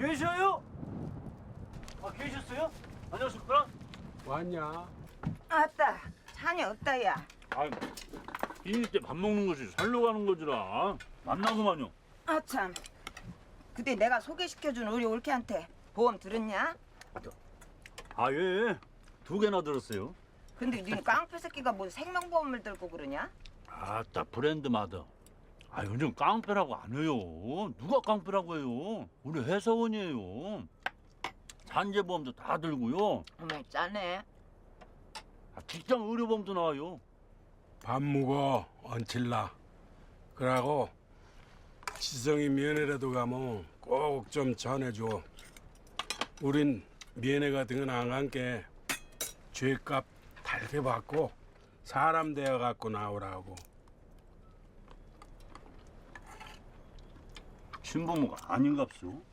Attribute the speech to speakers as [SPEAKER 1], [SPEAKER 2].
[SPEAKER 1] 계셔요? 계셨어요? 안녕하십니까?
[SPEAKER 2] 왔냐?
[SPEAKER 3] 아따, 자녀 없다, 야.
[SPEAKER 1] 아, 이일 때 밥 먹는 거지 살러 가는 거지라. 만나고만요.
[SPEAKER 3] 아, 참. 그때 내가 소개시켜준 우리 올케한테 보험 들었냐?
[SPEAKER 1] 아, 예. 2개나 들었어요.
[SPEAKER 3] 근데 네 깡패 새끼가 뭐 생명보험을 들고 그러냐?
[SPEAKER 1] 아따, 브랜드마다. 아, 요즘 깡패라고 안 해요. 누가 깡패라고 해요? 우리 회사원이에요. 산재보험도 다 들고요.
[SPEAKER 3] 어머, 짜네.
[SPEAKER 1] 직장 의료보험도 나와요.
[SPEAKER 2] 밥 먹어 얹힐라. 그러고 지성이 면회라도 가면 꼭 좀 전해줘. 우린 면회 같은 건 안 간게 죄값 달게 받고 사람 되어 갖고 나오라고.
[SPEAKER 1] 신부모가 아닌갑소.